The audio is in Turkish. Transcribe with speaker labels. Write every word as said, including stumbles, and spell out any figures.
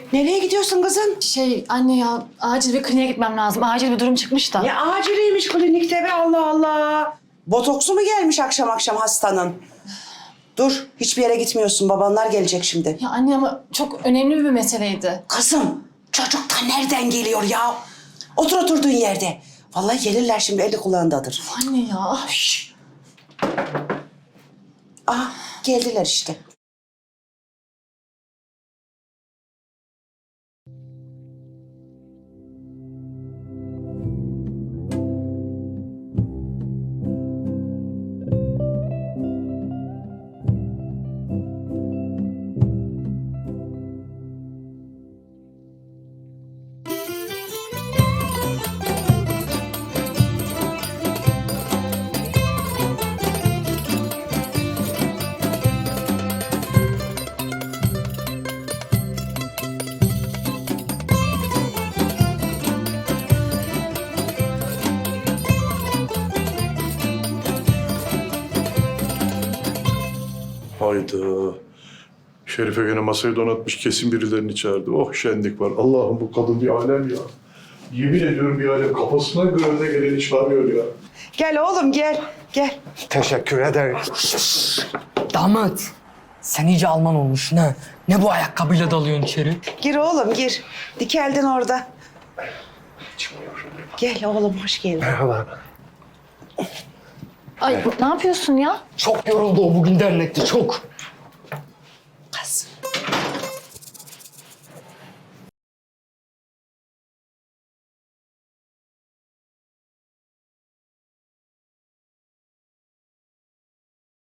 Speaker 1: Nereye gidiyorsun kızım?
Speaker 2: Şey anne ya acil bir kliniğe gitmem lazım. Acil bir durum çıkmış da.
Speaker 1: Ne aciliymiş klinikte be, Allah Allah. Botoksu mu gelmiş akşam akşam hastanın? Dur, hiçbir yere gitmiyorsun. Babanlar gelecek şimdi.
Speaker 2: Ya anne ama çok önemli bir meseleydi.
Speaker 1: Kızım, çocuk da nereden geliyor ya? Otur oturduğun yerde. Vallahi gelirler şimdi, eli kulağındadır.
Speaker 2: Anne ya.
Speaker 1: Şşş. Ah, geldiler işte.
Speaker 3: Hayda. Şerife gene masayı donatmış, kesin birilerini çağırdı. Oh şenlik var. Allah'ım bu kadın bir alem ya. Yemin ediyorum bir alem. Kafasına göre de geleni çağırıyor ya.
Speaker 1: Gel oğlum, gel. Gel.
Speaker 4: Teşekkür ederim. Damat, sen iyice Alman olmuşsun ha. Ne bu ayakkabıyla dalıyorsun içeri?
Speaker 1: Gir oğlum, gir. Dikeldin orada. Gel oğlum, hoş geldin.
Speaker 4: Merhaba.
Speaker 2: Ay ne yapıyorsun ya?
Speaker 4: Çok yoruldu o bugün dernekte, çok.